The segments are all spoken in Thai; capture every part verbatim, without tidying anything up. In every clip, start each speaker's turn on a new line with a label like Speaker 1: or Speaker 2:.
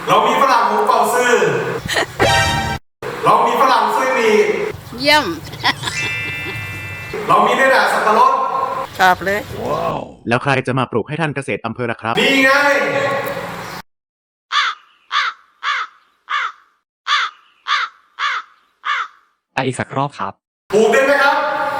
Speaker 1: เรามีฝรั่งหูเป่าซื่อเรามีฝรั่งซุยมี
Speaker 2: เยี่ยม
Speaker 1: เรามีได้แต่สับปะรด
Speaker 2: ชอบเลย
Speaker 3: ว้าวแล้วใครจะมาปลูกให้ท่านเกษตรอำเภอล่ะครับ
Speaker 1: นี่ไง
Speaker 4: ไปอีกสักรอบครับ
Speaker 1: ปลูกได้ไหมครับ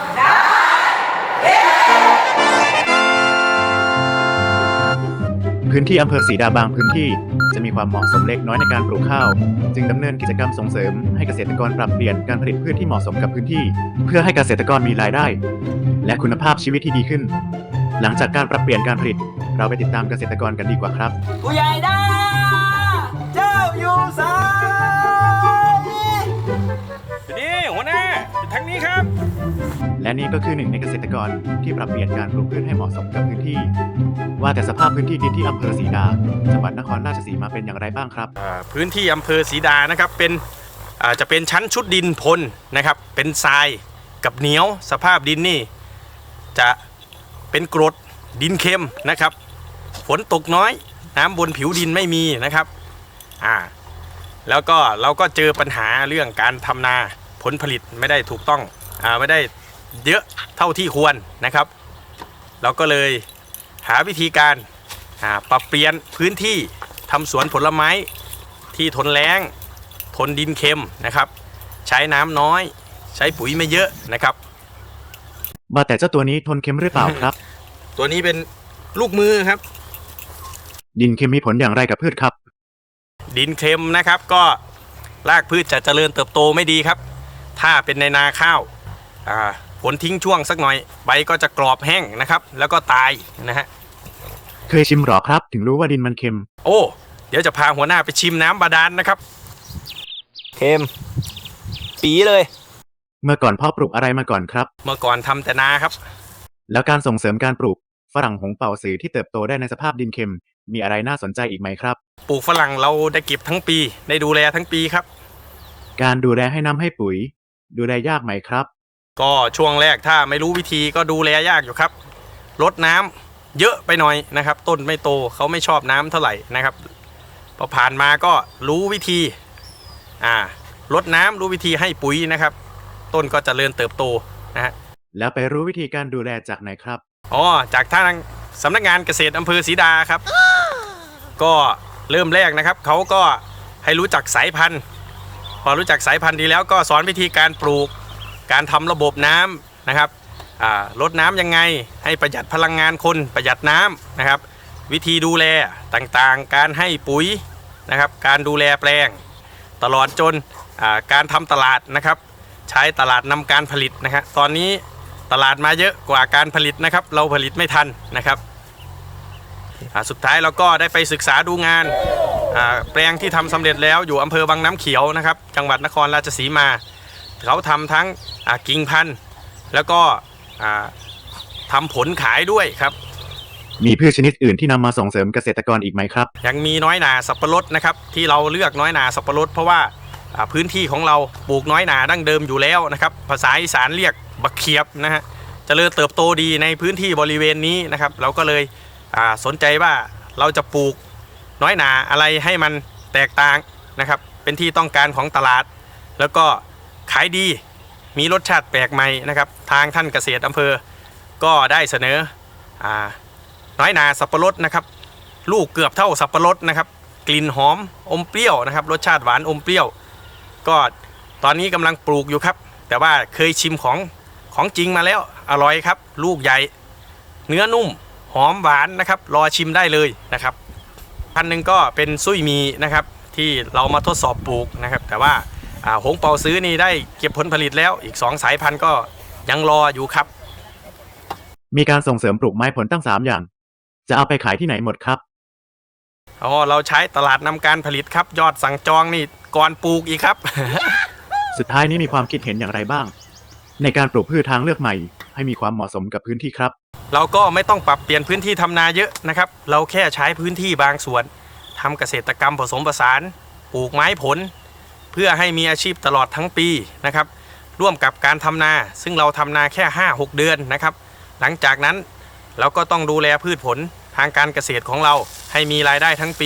Speaker 3: พื้นที่อำเภอศรีดาบางพื้นที่จะมีความเหมาะสมเล็กน้อยในการปลูกข้าวจึงดำเนินกิจกรรมส่งเสริมให้เกษตรกรปรับเปลี่ยนการผลิตพืชที่เหมาะสมกับพื้นที่เพื่อให้เกษตรกรมีรายได้และคุณภาพชีวิตที่ดีขึ้นหลังจากการปรับเปลี่ยนการผลิตเราไปติดตามเกษตรกรกันดีกว่าครับ
Speaker 5: ผู้ใหญ่ดาเจ้าอยู่สาย
Speaker 6: นี่หัวหน้าทางนี้ครับ
Speaker 3: และนี่ก็คือหนึ่งในเกษตรกรที่ปรับเปลี่ยนการปลูกพืชให้เหมาะสมกับพื้นที่ว่าแต่สภาพพื้นที่ดินที่อำเภอศรีดาจังหวัดนครราชสีมาเป็นอย่างไรบ้างครับ
Speaker 6: พื้นที่อำเภอศรีดานะครับเป็นจะเป็นชั้นชุดดินพลนะครับเป็นทรายกับเหนียวสภาพดินนี่จะเป็นกรดดินเค็มนะครับฝนตกน้อยน้ำบนผิวดินไม่มีนะครับอ่าแล้วก็เราก็เจอปัญหาเรื่องการทำนาผลผลิตไม่ได้ถูกต้องอ่าไม่ได้เยอะเท่าที่ควรนะครับเราก็เลยหาวิธีการปรับเปลี่ยนพื้นที่ทำสวนผลไม้ที่ทนแล้งทนดินเค็มนะครับใช้น้ำน้อยใช้ปุ๋ยไม่เยอะนะครับ
Speaker 3: ว่าแต่เจ้าตัวนี้ทนเค็มหรือเปล่าครับ
Speaker 6: ตัวนี้เป็นลูกมือครับ
Speaker 3: ดินเค็มมีผลอย่างไรกับพืชครับ
Speaker 6: ดินเค็มนะครับก็รากพืชจะเจริญเติบโตไม่ดีครับถ้าเป็นในนาข้าวฝนทิ้งช่วงสักหน่อยใบก็จะกรอบแห้งนะครับแล้วก็ตายนะฮะ
Speaker 3: เคยชิมหรอครับถึงรู้ว่าดินมันเค็ม
Speaker 6: โอ้เดี๋ยวจะพาหัวหน้าไปชิมน้ำบาดาล นะครับ
Speaker 5: เค็มปีเลย
Speaker 3: เมื่อก่อนพ่อปลูกอะไรมาก่อนครับ
Speaker 6: เมื่อก่อนทำแต่นาครับ
Speaker 3: แล้วการส่งเสริมการปลูกฝรั่งหงเป่าสือที่เติบโตได้ในสภาพดินเค็มมีอะไรน่าสนใจอีกไหมครับ
Speaker 6: ปลูกฝรั่งเราได้เก็บทั้งปีได้ดูแลทั้งปีครับ
Speaker 3: การดูแลให้น้ำให้ปุ๋ยดูแลยากไหมครับ
Speaker 6: ก็ช่วงแรกถ้าไม่รู้วิธีก็ดูแลยากอยู่ครับรดน้ำเยอะไปหน่อยนะครับต้นไม่โตเขาไม่ชอบน้ำเท่าไหร่นะครับพอผ่านมาก็รู้วิธีอ่ารดน้ำรู้วิธีให้ปุ๋ยนะครับต้นก็เจริญเติบโตนะฮะ
Speaker 3: แล้วไปรู้วิธีการดูแลจากไหนครับ
Speaker 6: อ๋อจากทางสำนักงานเกษตรอำเภอศรีดาครับก็เริ่มแรกนะครับเขาก็ให้รู้จักสายพันธุ์พอรู้จักสายพันธุ์ดีแล้วก็สอนวิธีการปลูกการทำระบบน้ำนะครับลดน้ำยังไงให้ประหยัดพลังงานคนประหยัดน้ำนะครับวิธีดูแลต่างๆการให้ปุ๋ยนะครับการดูแลแปลงตลอดจนการทำตลาดนะครับใช้ตลาดนำการผลิตนะครับตอนนี้ตลาดมาเยอะกว่าการผลิตนะครับเราผลิตไม่ทันนะครับสุดท้ายเราก็ได้ไปศึกษาดูงานแปลงที่ทำสำเร็จแล้วอยู่อำเภอบางน้ำเขียวนะครับจังหวัดนครราชสีมาเขาทำทั้งกิ่งพันธุ์แล้วก็ทำผลขายด้วยครับ
Speaker 3: มีพืชชนิดอื่นที่นำมาส่งเสริมเกษตรกรอีกไหมครับ
Speaker 6: ยังมีน้อยหนาสับปะรดนะครับที่เราเลือกน้อยหนาสับปะรดเพราะว่าพื้นที่ของเราปลูกน้อยหนาดั้งเดิมอยู่แล้วนะครับภาษาอีสานเรียกบักเขียบนะฮะเจริญเติบโตดีในพื้นที่บริเวณนี้นะครับเราก็เลยสนใจว่าเราจะปลูกน้อยหนาอะไรให้มันแตกต่างนะครับเป็นที่ต้องการของตลาดแล้วก็ขายดีมีรสชาติแปลกใหม่นะครับทางท่านเกษตรอำเภอก็ได้เสนออ่าน้อยนาสับปะรดนะครับลูกเกือบเท่าสับปะรดนะครับกลิ่นหอมอมเปรี้ยวนะครับรสชาติหวานอมเปรี้ยวก็ตอนนี้กำลังปลูกอยู่ครับแต่ว่าเคยชิมของของจริงมาแล้วอร่อยครับลูกใหญ่เนื้อนุ่มหอมหวานนะครับรอชิมได้เลยนะครับพันหนึ่งก็เป็นซุยมีนะครับที่เรามาทดสอบปลูกนะครับแต่ว่าหงเปาซื้อนี่ได้เก็บผลผลิตแล้วอีกสองสายพันธุ์ก็ยังรออยู่ครับ
Speaker 3: มีการส่งเสริมปลูกไม้ผลตั้งสามอย่างจะเอาไปขายที่ไหนหมดครับ
Speaker 6: อ๋อเราใช้ตลาดนำการผลิตครับยอดสั่งจองนี่ก่อนปลูกอีกครับ
Speaker 3: สุดท้ายนี้มีความคิดเห็นอย่างไรบ้างในการปลูกพืชทางเลือกใหม่ให้มีความเหมาะสมกับพื้นที่ครับ
Speaker 6: เราก็ไม่ต้องปรับเปลี่ยนพื้นที่ทำนาเยอะนะครับเราแค่ใช้พื้นที่บางส่วนทำเกษตรกรรมผสมผสานปลูกไม้ผลเพื่อให้มีอาชีพตลอดทั้งปีนะครับร่วมกับการทำนาซึ่งเราทำนาแค่ ห้าหก เดือนนะครับหลังจากนั้นเราก็ต้องดูแลพืชผลทางการเกษตรของเราให้มีรายได้ทั้งปี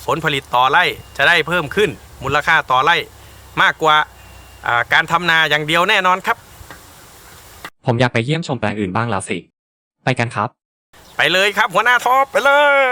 Speaker 6: ผลผลิตต่อไร่จะได้เพิ่มขึ้นมูลค่าต่อไร่มากกว่าการทำนาอย่างเดียวแน่นอนครับ
Speaker 4: ผมอยากไปเยี่ยมชมแปลงอื่นบ้างแล้วสิ ไปกันครับ
Speaker 6: ไปเลยครับหัวหน้าท็อปไปเลย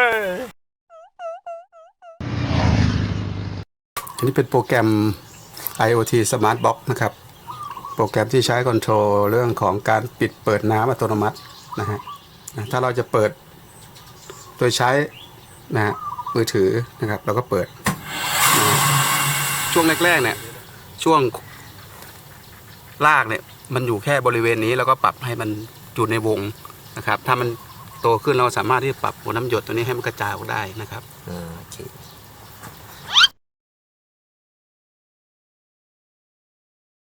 Speaker 7: อันนี้เป็นโปรแกรม ไอ โอ ที Smart Box นะครับ โปรแกรมที่ใช้คอนโทรลเรื่องของการปิดเปิดน้ำอัตโนมัตินะฮะถ้าเราจะเปิดโดยใช้นะฮะมือถือนะครับเราก็เปิดนะช่วงแรกๆเนี่ยช่วงลากเนี่ยมันอยู่แค่บริเวณนี้แล้วก็ปรับให้มันอยู่ในวงนะครับถ้ามันโตขึ้นเราสามารถที่จะปรับหัวน้ำหยดตัวนี้ให้มันกระจายออกได้นะครับ
Speaker 8: โอเค